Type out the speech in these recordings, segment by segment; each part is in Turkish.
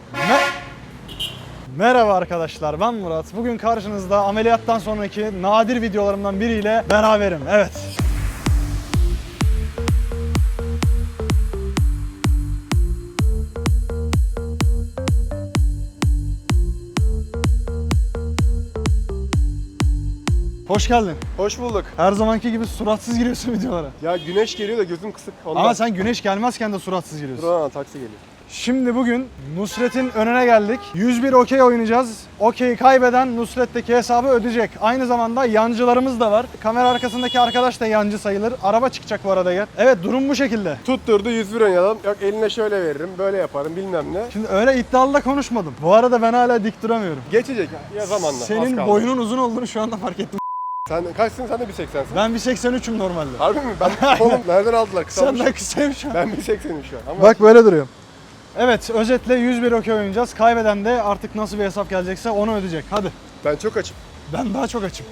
Merhaba arkadaşlar, ben Murat. Bugün karşınızda ameliyattan sonraki nadir videolarımdan biriyle beraberim. Evet. Hoş geldin. Hoş bulduk. Her zamanki gibi suratsız giriyorsun videolara. Ya güneş geliyor da gözüm kısık. Ondan. Ama sen güneş gelmezken de suratsız giriyorsun. Dur taksi geliyor. Şimdi bugün Nusret'in önüne geldik. 101 okey oynayacağız. Okeyi kaybeden Nusret'teki hesabı ödeyecek. Aynı zamanda yancılarımız da var. Kamera arkasındaki arkadaş da yancı sayılır. Araba çıkacak bu arada yer. Evet, durum bu şekilde. Tutturdu 101 oynayalım. Yok eline şöyle veririm, böyle yaparım bilmem ne. Şimdi öyle iddialı da konuşmadım. Bu arada ben hala dik duramıyorum. Geçecek ya zamanla. az Senin kaldı. boyunun uzun olduğunu şu anda fark ettim. Sen kaçsın? Sen de 1.80'sin. Ben 1.83'üm normalde. Harbi mi? Ben oğlum nereden aldılar? Kısalmış. Senden kısayım şu an. Ben 1.80'im şu an. Ama Bak böyle duruyorum. Evet, özetle 101 okey oynayacağız. Kaybeden de artık nasıl bir hesap gelecekse onu ödeyecek. Hadi. ben çok açım. Ben daha çok açım.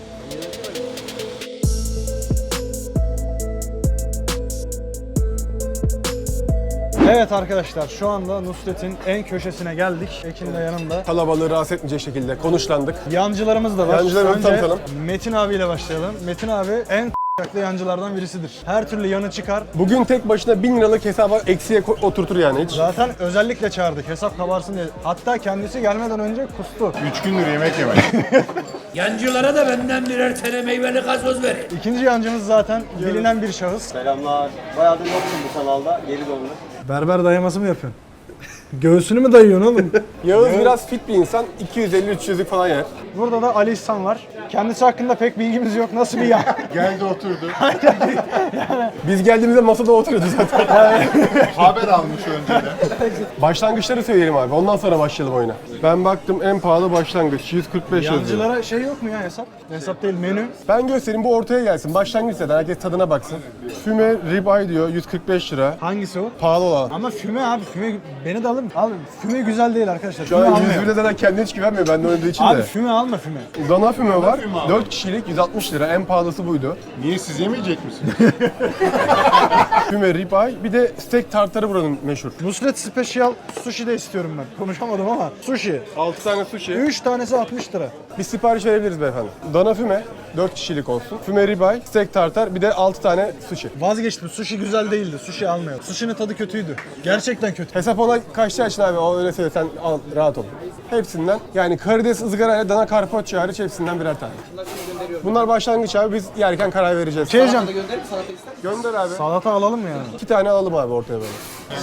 Evet arkadaşlar, şu anda Nusret'in en köşesine geldik. Ekin de yanımda. Kalabalığı rahatsız etmeyecek şekilde konuşlandık. Yancılarımız da var. Yancılarımızı Önce tanıtalım. Metin abiyle başlayalım. Metin abi en k***lı yancılardan birisidir. Her türlü yanı çıkar. Bugün tek başına 1000 liralık hesaba eksiye oturtur yani hiç. Zaten özellikle çağırdık hesap kabarsın diye. Hatta kendisi gelmeden önce kustu. 3 gündür yemek yemedim. Yancılara da benden birer tane meyveli gazoz verin. İkinci yancımız zaten bilinen bir şahıs. Selamlar. Bayağıdır yoksun bu kanalda. Geri döndüm. Berber dayaması mı yapıyorsun? Göğsünü mü dayıyorsun oğlum? Yağız biraz fit bir insan. 250-300'lük falan yer. Burada da Ali İhsan var. Kendisi hakkında pek bilgimiz yok. Nasıl bir ya? Geldi oturdu. Biz geldiğimizde masada oturuyordu zaten. Haber almış önceden. Başlangıçları söyleyelim abi. Ondan sonra başlayalım oyuna. Ben baktım en pahalı başlangıç 145 yazıyor. Yancılara şey yok mu ya hesap? Hesap değil, menü. Ben göstereyim, bu ortaya gelsin. Başlangıç zaten, herkes tadına baksın. Füme ribeye diyor 145 lira. Hangisi o? Pahalı olan. Ama füme abi, füme beni de alın. Al, füme güzel değil arkadaşlar. Şu Füme an almayalım. 101'de zaten kendine hiç güvenmiyor benden oynadığı için Abi de. füme alma füme. Dana füme var. 4 kişilik 160 lira. En pahalısı buydu. Niye siz yemeyecek misiniz? Füme ribeye. Bir de steak tartarı buranın meşhur. Nusret Special sushi de istiyorum ben. Konuşamadım ama. Sushi. 6 tane sushi. 3 tanesi 60 lira. Bir sipariş verebiliriz beyefendi. Dana füme 4 kişilik olsun. Füme ribeye, steak tartar, bir de 6 tane sushi. Vazgeçtim. Sushi güzel değildi. Sushi almıyor. Sushi'nin tadı kötüydü. Gerçekten kötü. Hesap ona kaçtı açın abi, o öyle söyle, sen al, rahat ol. Hepsinden yani karides ızgara ile dana carpaccio hariç hepsinden birer tane. Bunlar başlangıç abi, biz yerken karar vereceğiz. Şey diyeceğim. Gönder abi. Salata alalım mı yani? 2 tane alalım abi ortaya böyle.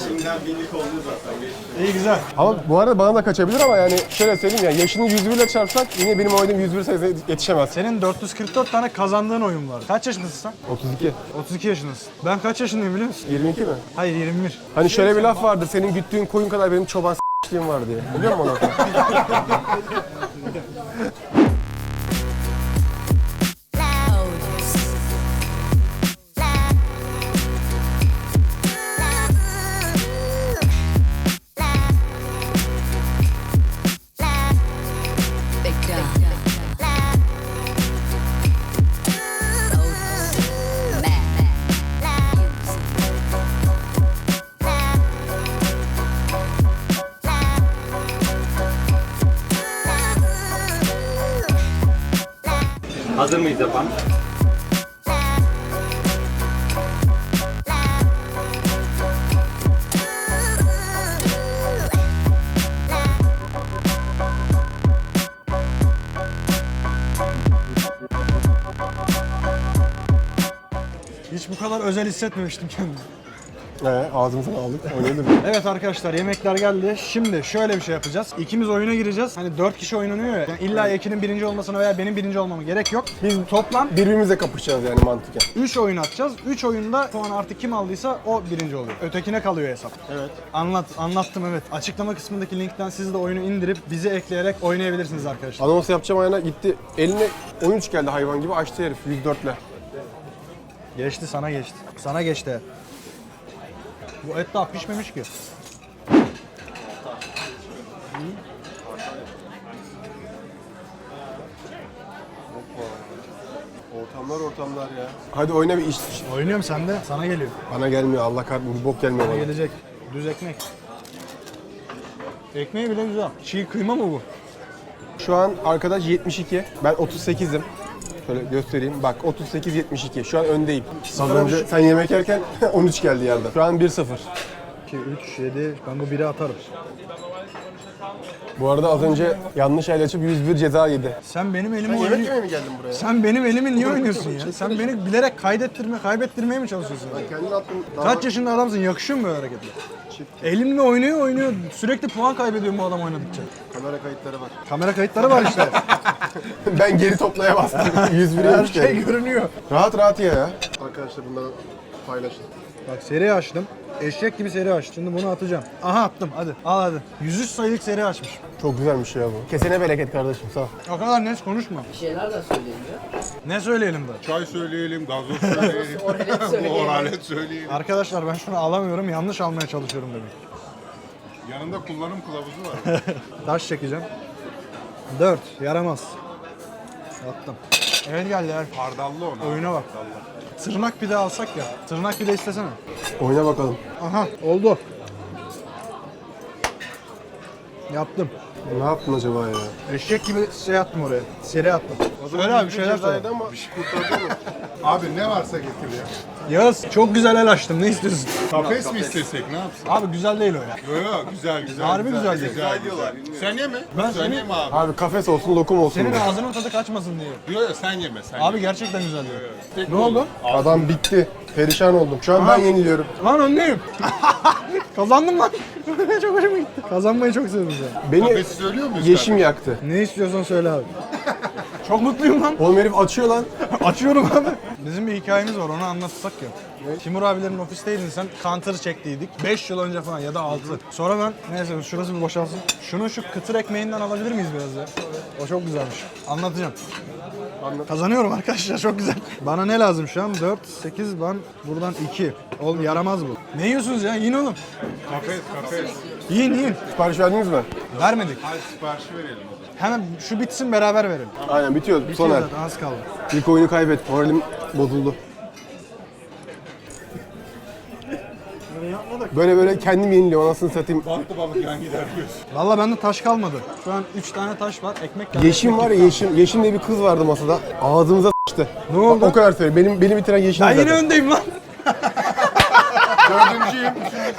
İyi güzel. Ama bu arada bana da kaçabilir ama yani şöyle söyleyeyim ya, yaşını 101 ile çarpsak yine benim oynadığım 101 sayısına yetişemez. Senin 444 tane kazandığın oyun var. Kaç yaşındasın sen? 32. 32 yaşındasın. Ben kaç yaşındayım biliyor musun? 22 mi? Hayır, 21. Hani şöyle bir laf vardır, senin güttüğün koyun kadar benim çoban s**liğim var diye. Biliyor musun onu? Hazır mıyız yapan? Hiç bu kadar özel hissetmemiştim kendimi. Ağzımızdan aldık, oynayalım. Evet arkadaşlar, yemekler geldi. Şimdi şöyle bir şey yapacağız. İkimiz oyuna gireceğiz. Hani 4 kişi oynanıyor ya. Yani illa Ekin'in birinci olmasına veya benim birinci olmama gerek yok. Biz toplam Birbirimizle kapışacağız yani mantıken. 3 oyun atacağız. 3 oyunda puan artık kim aldıysa o birinci oluyor. Ötekine kalıyor hesap. Evet. Anlattım evet. Açıklama kısmındaki linkten siz de oyunu indirip bizi ekleyerek oynayabilirsiniz arkadaşlar. Anons yapacağım ayağına gitti. Eline 13 geldi hayvan gibi, açtı herif 104'le. Geçti, sana geçti. Sana geçti. Bu et daha pişmemiş ki. Ortamlar ya. Hadi oyna bir iş. Oynuyorum sen de. Sana geliyor. Bana gelmiyor, Allah kahretsin, bir bok gelmiyor bana. Gelecek. Düz ekmek. Ekmeği bile güzel. Çiğ kıyma mı bu? Şu an arkadaş 72. Ben 38'im. Şöyle göstereyim. Bak 38-72. Şu an öndeyim. Az önce sen yemek yerken 13 geldi yerden. Şu an 1-0. 2, 3, 7. Ben bu 1'i atarım. Bu arada az önce yanlış el açıp 101 ceza yedi. Sen benim elimi Yemek oynuyorsun. yemeye mi geldin buraya? Sen benim elimi niye oynuyorsun ya? Sen beni bilerek kaybettirmeye mi çalışıyorsun? Kendin attın. Kaç yaşında adamsın? Yakışıyor mu böyle hareketler? Elimle oynuyor. Sürekli puan kaybediyorum bu adam oynadıkça. Kamera kayıtları var. Kamera kayıtları var işte. Ben geri toplaya bastım. 101 Her yemiş şey yani. görünüyor. Rahat rahat ye ya. Arkadaşlar bunları paylaşın. Bak seri açtım. Eşek gibi seri açtım. Şimdi bunu atacağım. Aha attım. Hadi. Al hadi. 103 sayılık seri açmış. Çok güzelmiş ya bu. Kesene bereket kardeşim sağ ol. O kadar net konuşma. Bir şeyler de söyleyeyim ya. Ne söyleyelim de? Çay söyleyelim, gazoz söyleyelim. Oralet söyleyelim. Arkadaşlar ben şunu alamıyorum. Yanlış almaya çalışıyorum demek. Yanında kullanım kılavuzu var. Taş çekeceğim. 4. Yaramaz. Attım. Evet geldi ya. Hardallı ona. Oyuna bak. Tırnak pide alsak ya. Tırnak pide istesene. Oyna bakalım. Aha oldu. Yaptım. Ne yaptın acaba ya? Eşek gibi şey attım oraya. Seri attım. Söyle abi şeyler söyle. Ama bir şey kurtardı mı? Abi ne varsa getir ya. Yağız çok güzel el açtım. Ne istiyorsun? Kafes mi istesek ne yapsın? Abi güzel değil o ya. Yo yo güzel güzel. Harbi güzel değil. Güzel diyorlar. Sen yeme. Ben sen seni- yeme abi. Abi kafes olsun lokum olsun. Senin ya. ağzının tadı kaçmasın diye. Yo yo sen yeme sen. Abi gerçekten güzel değil. Tek Ne oldu? Adam bitti. Perişan oldum. Şu an ben yeniliyorum. Lan öndeyim. Kazandım lan. Çok hoşuma gitti. Kazanmayı çok sevdim ya. Beni Kafesi söylüyor muyuz? yeşim yaktı. Ne istiyorsan söyle abi. Çok mutluyum lan. Oğlum herif açıyor lan. Açıyorum abi. Bizim bir hikayemiz var onu anlatsak ya. Timur abilerin ofisteydin sen, counter çektiydik. 5 yıl önce falan ya da 6. Sonra ben, neyse şurası bir boşalsın. Şunu şu kıtır ekmeğinden alabilir miyiz biraz ya? O çok güzelmiş. Anlatacağım. Kazanıyorum arkadaşlar çok güzel. Bana ne lazım şu an? 4, 8, ben buradan 2. Oğlum yaramaz bu. Ne yiyorsunuz ya? Yiyin oğlum. Kafes. Yiyin. Sipariş verdiniz mi? Vermedik. Hadi siparişi verelim o zaman. Hemen şu bitsin beraber verelim. Aynen bitiyor. Soner. Zaten az kaldı. İlk oyunu kaybet. Moralim bozuldu. Böyle kendim yeniliyorum anasını satayım. Battı balık yan gider diyorsun. Valla bende taş kalmadı. Şu an 3 tane taş var. Ekmek geldi. Yeşim var ya Yeşim. Yeşim diye bir kız vardı masada. Ağzımıza s**tı. Ne oldu? O kadar söyleyeyim. Beni bitiren Yeşim Ben zaten. yine öndeyim lan. Dördüncüyüm.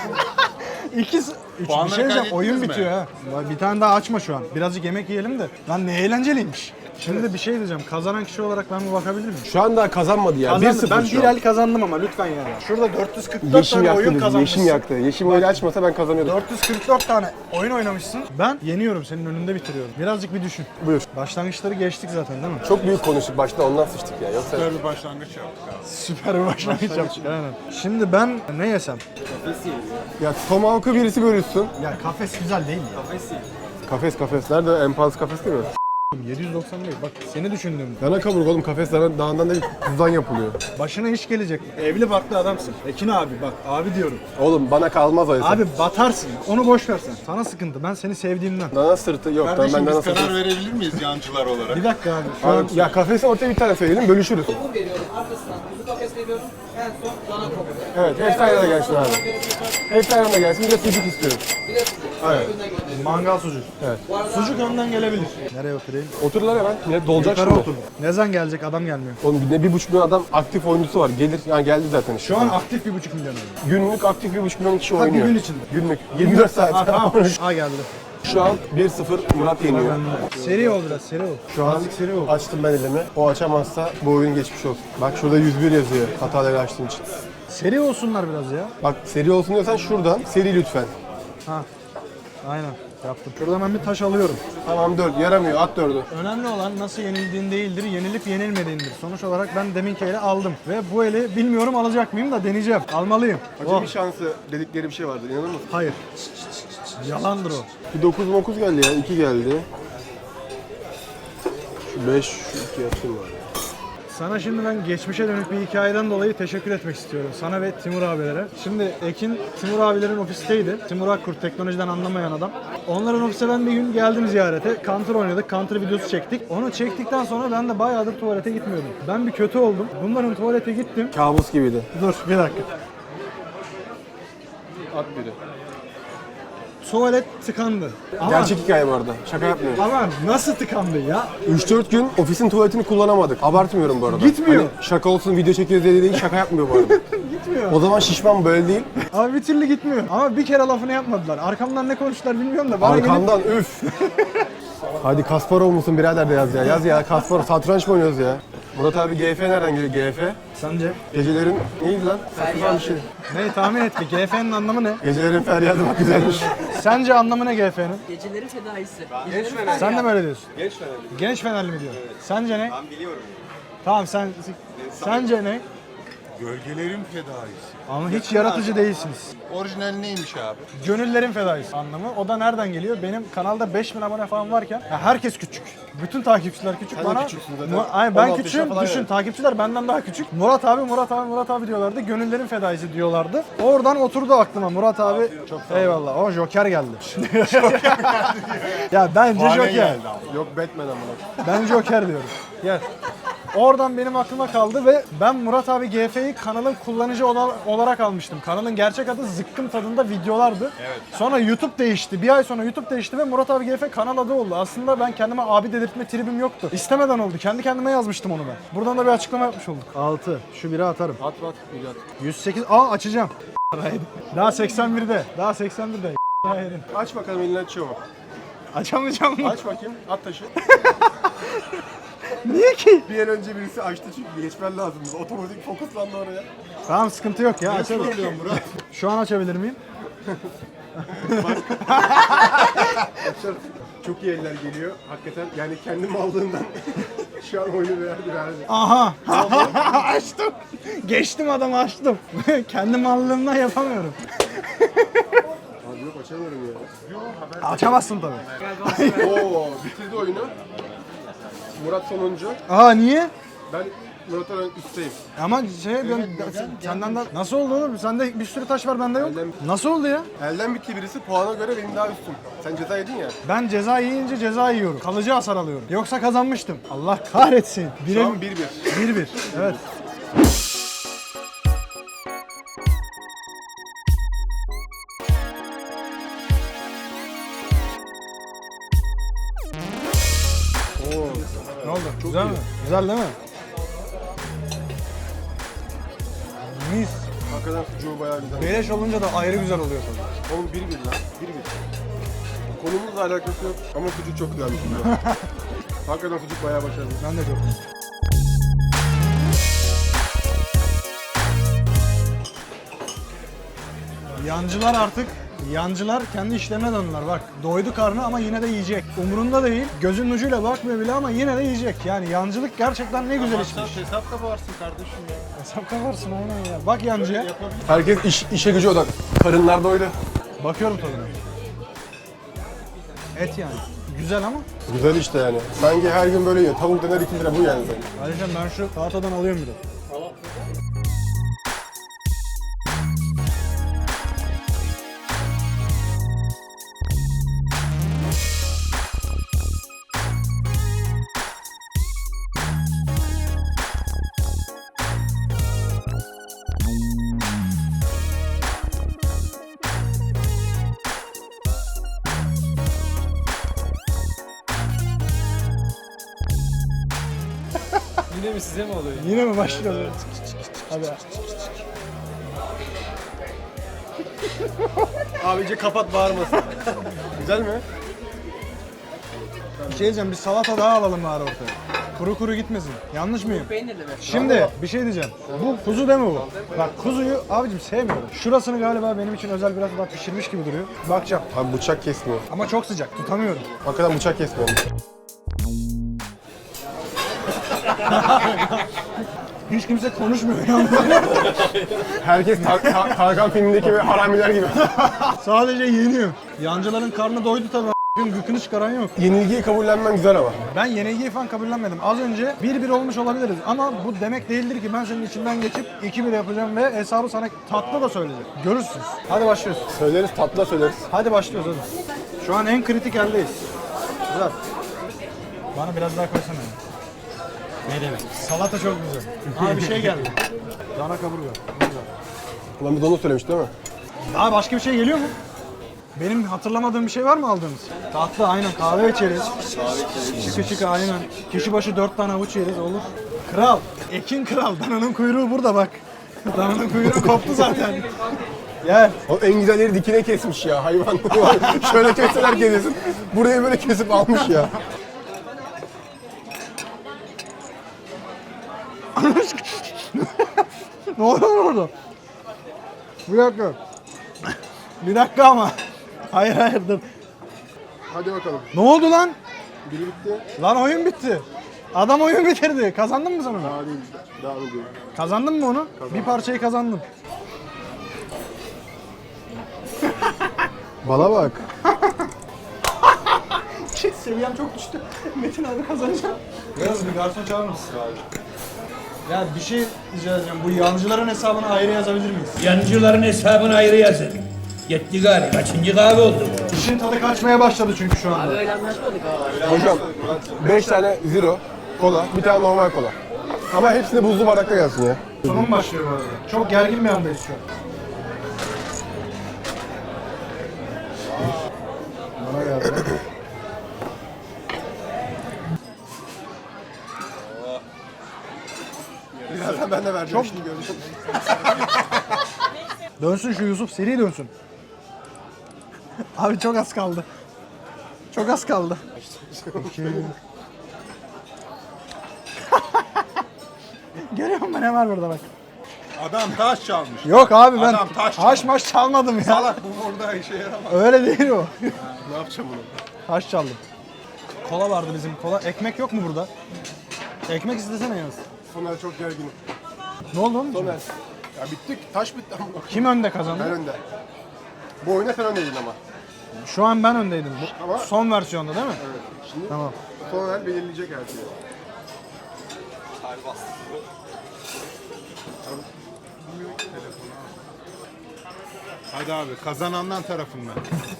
İkisi. Üç, bir Puanları şey diyeceğim. kaydettiniz Oyun mi? bitiyor ha. Vay, bir tane daha açma şu an. Birazcık yemek yiyelim de. Lan ne eğlenceliymiş. Şimdi bir şey diyeceğim. Kazanan kişi olarak ben bir bakabilir miyim? Şu an daha kazanmadı ya. 1-0 Ben şu bir an. el kazandım ama lütfen yani. Şurada 444 Yeşim tane yaktı oyun bizi. kazanmışsın. Yeşim yaktı. Yeşim öyle açmasa ben kazanıyordum. 444 tane oyun oynamışsın. Ben yeniyorum. Senin önünde bitiriyorum. Birazcık bir düşün. Buyur. Başlangıçları geçtik zaten değil mi? Çok büyük konuştuk başta ondan sıçtık ya. Yoksa Güzel bir başlangıç yaptık abi. Süper bir başlangıç yaptık. Aynen. Şimdi ben ne yesem? ya tomahawk'ı birisi bölüşsün. Ya kafes güzel değil mi? Kafes. Nerede? En pahalı kafes değil mi? 790 değil. Bak seni düşündüm. Dana kaburga oğlum kafes dağından değil kuzudan yapılıyor. Başına iş gelecek. Evli barklı adamsın. Ekin abi bak abi diyorum. Oğlum bana kalmaz o hesap. Abi batarsın. Onu boş ver sen. Sana sıkıntı. Ben seni sevdiğimden. Dana sırtı yok. Kardeşim ben dana biz sırtı. karar verebilir miyiz yancılar olarak? Bir dakika abi. Şu an Abi, ya kafesi ortaya bir tane söyleyelim bölüşürüz. Lokum veriyorum, arkasından kuzu kafes veriyorum, en son dana kaburga. Evet hepsi aynı anda gelsin abi. Hepsi aynı anda gelsin. Bir de sucuk istiyorum. Bir de sucuk. Evet. Önden geliyor. mangal sucuk. Evet. Sucuk önden gelebilir. Nereye oturayım? Otururlar hemen. Millet dolacak Yukarı şimdi. otur. Ne zaman gelecek? Adam gelmiyor. Oğlum ne 1,5 milyon adam aktif oyuncusu var. Gelir yani geldi zaten işte. Şu an aktif 1,5 milyon oynuyor. Günlük aktif 1,5 milyon kişi bir oynuyor. gün içinde. Günlük. 24 saat. Ha tamam. Ha geldi. Şu an 1-0 Murat yeniyor. Seri ol biraz seri ol. Şu an Azıcık seri ol. açtım ben elimi. O açamazsa bu oyun geçmiş olsun. Bak şurada 101 yazıyor hataları açtığım için. Seri olsunlar biraz ya. Bak seri olsun diyorsan şuradan seri lütfen. Ha. Aynen. Yaptım. Şurada ben bir taş alıyorum. Tamam 4 yaramıyor at 4'ü. Önemli olan nasıl yenildiğin değildir, yenilip yenilmediğindir. Sonuç olarak ben deminki eli aldım. Ve bu eli bilmiyorum alacak mıyım da deneyeceğim. Almalıyım. Acemi şansı dedikleri bir şey vardır inanır mısın? Hayır. Yalandır o. Bir 9 geldi ya 2 geldi. Şu 5 şu 2 yapayım var. Sana şimdi ben geçmişe dönük bir hikayeden dolayı teşekkür etmek istiyorum. Sana ve Timur abilere. Şimdi Ekin Timur abilerin ofisteydi. Timur Akkurt teknolojiden anlamayan adam. Onların ofise ben bir gün geldim ziyarete. Counter oynadık. Counter videosu çektik. Onu çektikten sonra ben de bayağıdır tuvalete gitmiyordum. Ben bir kötü oldum. Bunların tuvalete gittim. Kabus gibiydi. Dur bir dakika. At biri. tuvalet tıkandı. Ama, Gerçek hikaye bu arada. Şaka yapmıyorum. ama nasıl tıkandı ya? 3-4 gün ofisin tuvaletini kullanamadık. Abartmıyorum bu arada. Gitmiyor. Hani şaka olsun video çekiyoruz diye değil, şaka yapmıyor bu arada. Gitmiyor. O zaman şişman böyle değil. Abi bir türlü gitmiyor. Ama bir kere lafını yapmadılar. Arkamdan ne konuştular bilmiyorum da. Bana gelip- Arkamdan üf. Hadi Kasparov musun birader de yaz ya. Yaz ya Kasparov. Satranç mı oynuyoruz ya? Murat abi GF nereden geliyor GF? Sence? Gecelerin neydi lan? Saçma bir şey. Ne tahmin et bir. GF'nin anlamı ne? Gecelerin feryadı bak güzelmiş. Sence anlamı ne GF'nin? Gecelerin fedaisi. Sen de mi öyle diyorsun? Genç Fenerli mi diyor? Sence ne? Ben biliyorum. Tamam sence ne? Gölgelerin fedaisi. Ama hiç yaratıcı değilsiniz. Orijinal neymiş abi? Gönüllerin fedaisi anlamı. O da nereden geliyor? Benim kanalda 5000 abone falan varken ya herkes küçük. Bütün takipçiler küçük. Sen de bana. küçüksün zaten. Ay ben 16 küçüğüm. yaşında falan Düşün yani. takipçiler benden daha küçük. Murat abi diyorlardı. Gönüllerin fedaisi diyorlardı. Oradan oturdu aklıma Murat abi. Çok eyvallah. O Joker geldi. Ya bence Hane Joker. geldi abi. Yok Batman amına. Ben Joker diyorum. Gel. Oradan benim aklıma kaldı ve ben Murat abi GF'yi kanalın kullanıcı olarak almıştım. Kanalın gerçek adı Zıkkım Tadında Videolardı. Evet. Sonra YouTube değişti. Bir ay sonra YouTube değişti ve Murat abi GF kanal adı oldu. Aslında ben kendime abi dedirtme tribim yoktu. İstemeden oldu. Kendi kendime yazmıştım onu ben. Buradan da bir açıklama yapmış olduk. 6. Şu biri atarım. At. 108. Açacağım. Daha 81'de. Daha 81'de. Aç bakalım elini açıyor mu? Açamayacağım mı? Aç bakayım. At taşı. Niye ki? Bir an önce birisi açtı çünkü geçmen lazım. Otomatik fokuslandı oraya. Tamam sıkıntı yok ya. Açalım. Murat. Şu an açabilir miyim? Çok iyi eller geliyor. Hakikaten yani kendi mallığından şu an oyunu verdi. Aha! Açtım. Geçtim adamı açtım. Kendi mallığımdan yapamıyorum. Abi yok açamıyorum ya. Açamazsın tabii. Oo bitirdi oyunu. Murat sonuncu. Aa niye? Ben Murat'tan üstteyim. Ama senden de nasıl oldu oğlum? Sende bir sürü taş var bende yok. Elden- Nasıl oldu ya? Elden bitti birisi puana göre benim daha üstüm. Sen ceza yedin ya. Ben ceza yiyince ceza yiyorum. Kalıcı hasar alıyorum. Yoksa kazanmıştım. Allah kahretsin. Şu an 1-1. 1-1. Evet. Ne oldu? Güzel mi? Güzel değil mi? Mis. Hakikaten sucuğu bayağı güzel. Beleş olunca da ayrı güzel oluyor tabii. Oğlum 1-1 lan. 1-1. Konumuzla alakası yok ama sucuk çok güzelmiş. Hakikaten sucuk bayağı başarılı. Ben de çok. Yancılar kendi işlerine döndüler bak. Doydu karnı ama yine de yiyecek. Umurunda değil. Gözünün ucuyla bakmıyor bile ama yine de yiyecek. Yani yancılık gerçekten ne güzel işmiş. Hesap da varsın kardeşim ya. Hesap kaparsın aynen ya. Bak yancıya. Herkes işe gücü odak. Karınlar doydu. Bakıyorum tadına. Et yani. Güzel ama. Güzel işte yani. Sanki her gün böyle yiyor. Tavuk döner 2 lira bu yani zaten. Ayrıca ben şu tahtadan alıyorum bir de. Yine mi size mi oluyor? Yine mi başlıyoruz? Hadi. Abici kapat bağırmasın. Güzel mi? Bir şey diyeceğim, bir salata daha alalım bari ortaya. Kuru kuru gitmesin. Yanlış mıyım? Peynirli mi? Şimdi bir şey diyeceğim. Bu kuzu değil mi bu? Bak kuzuyu abicim sevmiyorum. Şurasını galiba benim için özel biraz daha pişirmiş gibi duruyor. Bakacağım. Abi bıçak kesmiyor. Ama çok sıcak, tutamıyorum. Hakikaten bıçak kesmiyor. Hiç kimse konuşmuyor ya. Herkes Tarkan filmindeki ve haramiler gibi. Sadece yeniyor. Yancıların karnı doydu tabii. Gıkını çıkaran yok. Yenilgiyi kabullenmen güzel ama. Ben yenilgiyi falan kabullenmedim. Az önce 1-1 olmuş olabiliriz ama bu demek değildir ki ben senin içinden geçip 2-1 yapacağım ve hesabı sana tatlı da söyleyeceğim. Görürsünüz. Hadi başlıyoruz. Söyleriz, tatlı söyleriz. Hadi başlıyoruz hadi. Şu an en kritik eldeyiz. Güzel. Bana biraz daha koysana. Ne demek? Salata çok güzel. Aa bir şey geldi. Dana kaburga. Güzel. Ulan bir de onu söylemiş değil mi? Daha başka bir şey geliyor mu? Benim hatırlamadığım bir şey var mı aldığımız? Tatlı aynen, kahve içeriz. Şıkı şıkı aynen. Kişi başı 4 tane avuç yeriz, olur. Kral, Ekin Kral. Dananın kuyruğu burada bak. Dananın kuyruğu koptu zaten. Gel. O en güzelleri dikine kesmiş ya hayvan. Şöyle kesseler kesin. Burayı böyle kesip almış ya. Ne oluyor orada? Bir dakika. Bir dakika ama. Hayır hayır dur. Hadi bakalım. Ne oldu lan? Biri bitti. Lan oyun bitti. Adam oyun bitirdi. Kazandın mı sen onu? Daha değil. Devam ediyorum. Kazandın mı onu? Bir parçayı kazandım. Bana bak. Seviyem çok düştü. Metin abi kazanacak. Yaz bir garson çağırır mısın abi? Ya bir şey rica edeceğim. Bu yancıların hesabını ayrı yazabilir miyiz? Yancıların hesabını ayrı yazın. Yetti gari. Kaçıncı kahve oldu bu? İşin tadı kaçmaya başladı çünkü şu anda. Öyle anlaşmadık abi. Hocam 5 tane zero kola, bir tane normal kola. Ama hepsini buzlu bardakta gelsin ya. Sonum başlıyor bu arada. Çok gergin bir andayız şu an. Bana geldi. Birazdan ben de vereceğim. Şimdi göreceğim. Dönsün şu Yusuf, seri dönsün. Abi çok az kaldı. Çok az kaldı. Görüyor musun ne var burada bak. Adam taş çalmış. Yok abi ben Adam taş haş maş çalmadım ya. Salak bu burada işe yaramaz. Öyle değil o. Ne yapacağım bunu? Haş çaldım. Kola vardı bizim kola. Ekmek yok mu burada? Ekmek istesene yalnız. Soner çok gerginim. Ne oldu oğlum? Soner. Ya bittik. Taş bitti ama. Kim önde Ben kazandı? önde. Bu oyunda sen öndeydin ama. Şu an ben öndeydim. Bu Ama- son versiyonda değil mi? Evet. Şimdi Tamam. Soner belirleyecek her şeyi. Hadi abi kazanandan tarafından.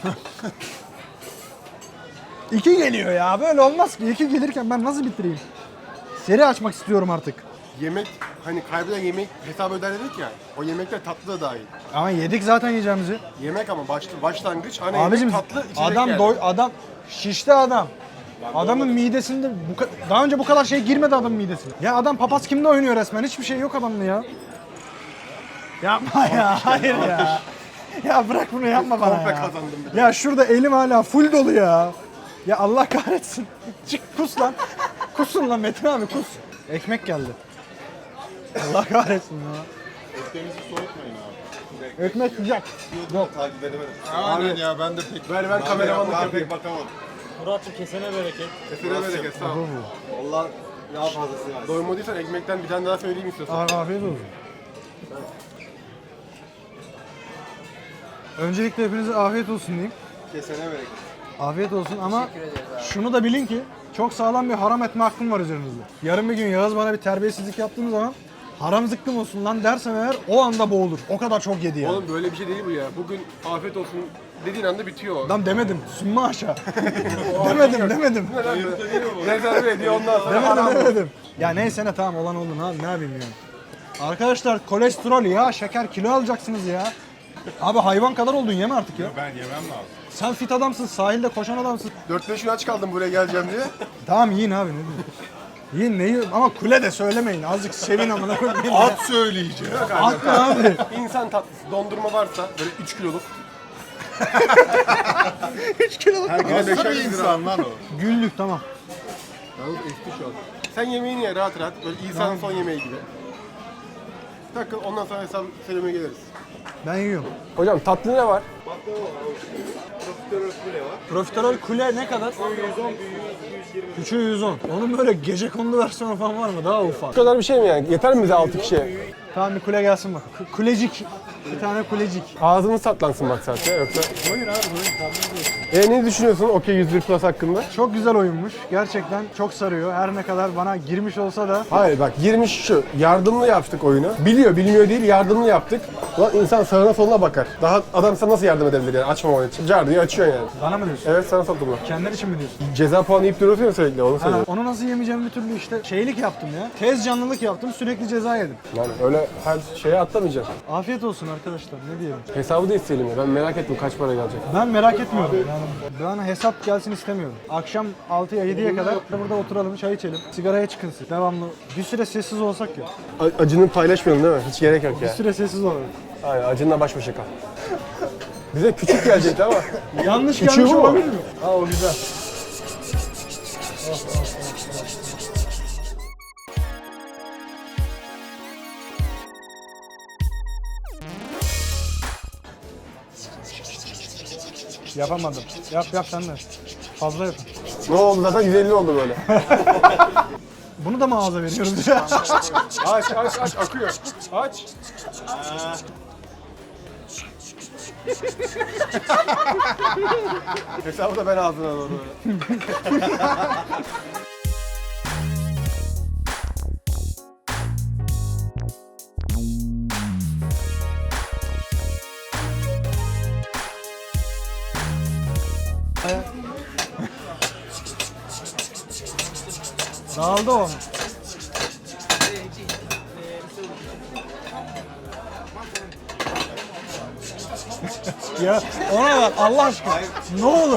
2 geliyor ya. Böyle olmaz ki. 2 gelirken ben nasıl bitireyim? Seri açmak istiyorum artık. Yemek, hani kaybeden yemek hesabı öder dedik ya. O yemekler tatlı da dahil. Ama yedik zaten yiyeceğimizi. Yemek ama başlangıç, ana Abicim yemek, tatlı, içecek adam yani. adam şişti adam. Adamın midesinde daha önce bu kadar şey girmedi adamın midesine. Ya adam papaz kimde oynuyor resmen? Hiçbir şey yok adamda ya. Yapma ya. Hayır ya. Ya bırak bunu yapma bana Komple ya. kazandım bir de. Ya şurada elim hala full dolu ya. Ya Allah kahretsin. Çık kus lan. Kusun lan Metin abi kus. Ekmek geldi. Allah kahretsin ya. Ekmeğinizi soğutmayın abi. Ekmek sıcak. Yok. Takip edemedim. Aynen ya ben de pek... Ben kameramanlık Daha yapayım. pek bakamadım. Murat'cığım kesene bereket. Kesene bereket, sağ ol. Vallahi daha fazlası var. Doymadıysan ekmekten bir tane daha söyleyeyim istiyorsan. Afiyet olsun. Öncelikle hepinize afiyet olsun diyeyim. Kesene bereket. Afiyet olsun ama şunu da bilin ki çok sağlam bir haram etme hakkım var üzerinizde. Yarın bir gün Yağız bana bir terbiyesizlik yaptığım zaman haram zıkkım olsun lan dersem eğer o anda boğulur. O kadar çok yedi yani. Oğlum böyle bir şey değil bu ya. Bugün afiyet olsun dediğin anda bitiyor o. Lan demedim. Sümme aşağı. demedim. Rezerve ediyor ondan sonra. Demedim. Ya neyse ne tamam olan oldu abi ne yapayım yani. Arkadaşlar kolesterol ya şeker kilo alacaksınız ya. Abi hayvan kadar oldun yeme artık ya. Ben yemem lazım. Sen fit adamsın, sahilde koşan adamsın. 4-5 gün aç kaldım buraya geleceğim diye. Tamam yiyin abi ne diyeyim. Yiyin ne yiyin ama kule de söylemeyin. Azıcık sevin amına koyayım. At söyleyeceğim. Atma abi. İnsan tatlısı, dondurma varsa böyle 3 kiloluk. 3 kiloluk. Nasıl bir insan lan o? Güllük tamam. Yalnız eski şu an. Sen yemeğini ye rahat rahat. Böyle İsa'nın son yemeği gibi. Takıl ondan sonra hesap söylemeye geliriz. Ben yiyorum. Hocam tatlı ne var? Profiterol kule ne kadar? 110, küçüğü 110. Onun böyle gecekondu versiyonu falan var mı? Daha ufak. Bu kadar bir şey mi yani? Yeter mi bize 6 kişiye? Tamam bir kule gelsin bak. Kulecik. Bir tane kulecik. Ağzımız tatlansın bak zaten yoksa. Buyur abi buyur. Ne düşünüyorsun Okey 101 Plus hakkında? Çok güzel oyunmuş. Gerçekten çok sarıyor. Her ne kadar bana girmiş olsa da. Hayır bak girmiş şu, yardımlı yaptık oyunu. Biliyor, bilmiyor değil, yardımlı yaptık. Ulan insan sağına soluna bakar. Daha adam sana nasıl yardım edebilir yani açmaman için? Car diye açıyorsun yani. Bana mı diyorsun? Evet sana sattım bunu. Kendin için mi diyorsun? Ceza puanı yiyip duruyorsun ya sürekli onu Ha, söylüyorum. onu nasıl yemeyeceğimi bir türlü işte şeylik yaptım ya. Tez canlılık yaptım, sürekli ceza yedim. Yani öyle her şeye atlamayacaksın. Afiyet olsun arkadaşlar, ne diyelim. Hesabı da isteyelim ya. Ben merak ettim kaç para gelecek. Ben merak etmiyorum yani. Ben hesap gelsin istemiyorum. Akşam 6'ya 7'ye kadar burada oturalım, çay içelim, sigaraya çıkınsın. Devamlı. Bir süre sessiz olsak ya. Acını paylaşmayalım değil mi? Hiç gerek yok Bir ya. süre sessiz olalım. Aynen acınla baş başa kal. Bize küçük gelecekti ama. Yanlış Küçüğü gelmiş bu mu? olabilir mi? Ha o güzel. Yapamadım. Yap sen de. Fazla yap. Ne oldu zaten 150 oldu böyle. Bunu da mı ağza veriyoruz? aç akıyor. Aç. Hesabı da ben ağzına doğru. Dağıldı o. Ya ona bak Allah aşkına. Ne olur.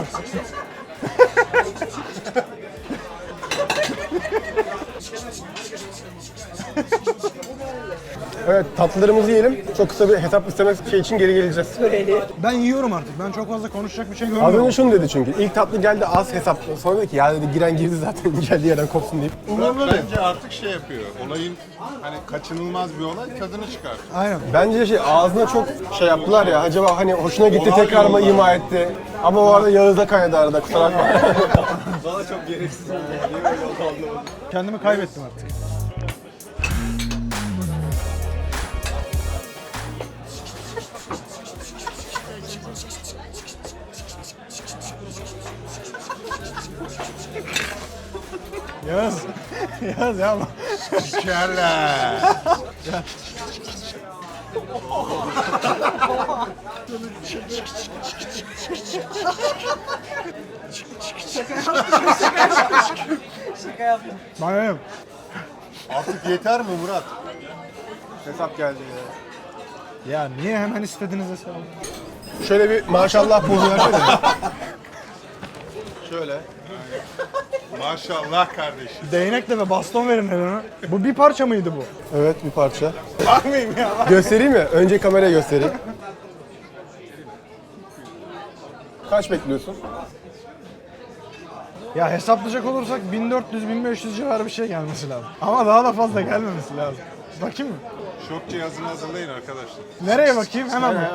Evet tatlılarımızı yiyelim. Çok kısa bir hesap istemek şey için geri geleceğiz. Ben yiyorum artık. Ben çok fazla konuşacak bir şey Az görmüyorum. önce şunu dedi çünkü. İlk tatlı geldi az hesap. Sonra dedi ki ya dedi giren girdi zaten geldiği yerden kopsun deyip. Bence artık şey yapıyor. Olayın hani kaçınılmaz bir olay tadını çıkar. Aynen. Bence şey ağzına çok şey yaptılar ya. Acaba hani hoşuna gitti tekrar mı ima etti. Ama o arada Yağız'da kaynadı arada kusura bakma. Bana çok gereksiz oldu. Niye öyle oldu anlamadım. Kendimi kaybettim artık. Yaz. Yaz ya. Şekerler. Bana yok. Artık yeter mi Murat? Hesap geldi ya. Ya niye hemen istediniz hesabı? Şöyle bir maşallah pozu versene. Şöyle. Maşallah kardeşim. Değnekle ve baston verin elime. Bu bir parça mıydı bu? Evet bir parça. Bakmayayım ya. Göstereyim mi? Önce kameraya göstereyim. Kaç bekliyorsun? Ya hesaplayacak olursak 1400-1500 civarı bir şey gelmesi lazım. Ama daha da fazla gelmemesi lazım. Bakayım mı? Şok cihazını hazırlayın arkadaşlar. Nereye bakayım? Hemen bak.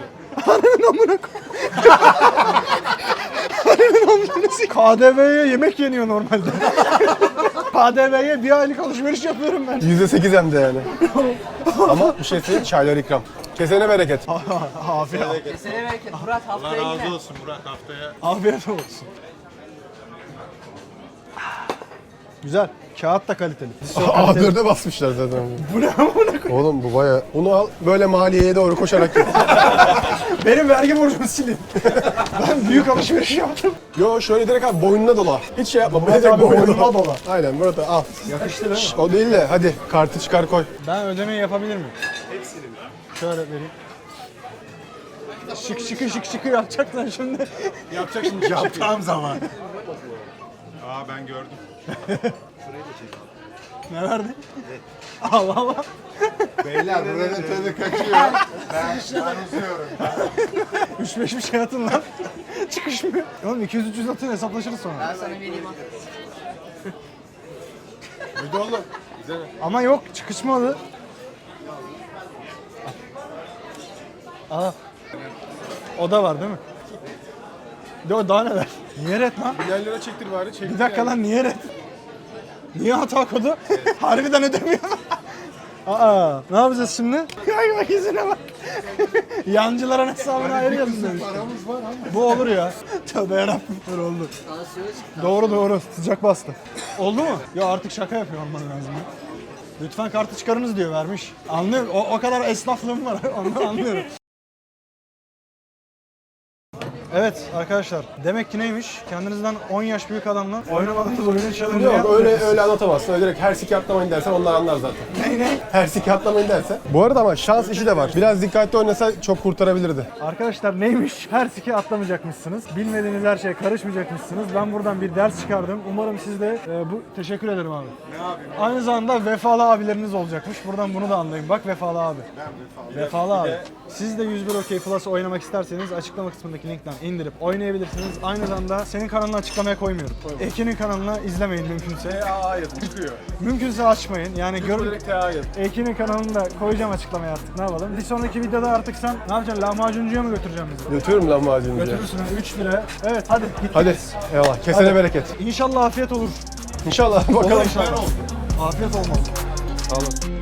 KDV'ye yemek yeniyor normalde. KDV'ye bir aylık alışveriş yapıyorum ben. %8 hem de yani. Ama bir şey söyleyeyim, çaylar ikram. Kesene bereket. Afiyet, Kesene bereket. Murat Allah haftaya yine. razı olsun Murat haftaya. afiyet olsun. Güzel. Kağıt da kaliteli. A4'e basmışlar zaten. Bu ne amına? Oğlum bu baya... Bunu al böyle maliyeye doğru koşarak git. Benim vergi borcumu silin. Ben büyük alışveriş yaptım. Yo şöyle direkt abi boynuna dola. Hiç şey yapma. Murat direkt abi boynuna dola. Aynen Murat abi al. Yakıştı değil mi? Şş, o değil de hadi kartı çıkar koy. Ben ödemeyi yapabilir miyim? Hepsini mi? Şöyle vereyim. Şık şıkı yapacaksın şimdi. Yapacak şimdi tam zaman. Aa ben gördüm. Ne verdin? Allah Allah. Beyler buranın tadı kaçıyor. Ben uzuyorum. 3-5 bir şey atın lan. Çıkışmıyor. Oğlum 200-300 atın hesaplaşırız sonra. Ben sana vereyim ha. Hadi oğlum. Ama yok çıkışmadı. Aa. O da var değil mi? Yo daha neler? Niye red lan? Yerlere çektir bari çektir. Bir dakika lan niye red? Niye hata kodu? Harbiden ödemiyor. Aa, ne yapacağız şimdi? Ay bak izine bak. Yancıların hesabını ayırıyorsun demiş. Paramız var ama. Bu olur ya. Tövbe yarabbim. Dur oldu. Doğru sıcak bastı. Oldu mu? Ya artık şaka yapıyor olman lazım ya. Lütfen kartı çıkarınız diyor vermiş. Anlıyorum. O kadar esnaflığım var. Ondan anlıyorum. Evet arkadaşlar, demek ki neymiş? Kendinizden 10 yaş büyük adamla oynamadığınız oyunun challenge'ı Yok öyle anlatamazsın. Öyle direkt her siki atlamayın dersen onlar anlar zaten. Ne? Her siki atlamayın dersen. Bu arada ama şans işi de var. Biraz dikkatli oynasa çok kurtarabilirdi. Arkadaşlar neymiş? Her siki atlamayacakmışsınız. Bilmediğiniz her şeye karışmayacakmışsınız. Ben buradan bir ders çıkardım. Umarım siz de teşekkür ederim abi. Ne yapayım? Aynı zamanda vefalı abileriniz olacakmış. Buradan bunu da anlayın. Bak vefalı abi. Vefalı abi. Siz de 101 OK Plus oynamak isterseniz açıklama kısmındaki linkten indirip oynayabilirsiniz. Aynı zamanda senin kanalını açıklamaya koymuyorum. Ekin'in kanalını izlemeyin mümkünse. Hayır çıkıyor. Mümkünse açmayın. Yani hayır. Ekin'in kanalını da koyacağım açıklamaya artık. Ne yapalım? Bir sonraki videoda artık sen ne yapacaksın? Lahmacuncuya mı götüreceksin bizi? Götürürüm lan macuncuya. Götürürsün 3 lira. Evet hadi git. Hadi. Eyvallah. Kesene Hadi. bereket. İnşallah afiyet olur. İnşallah Olur bakalım. inşallah. Afiyet olmaz. Sağ olun.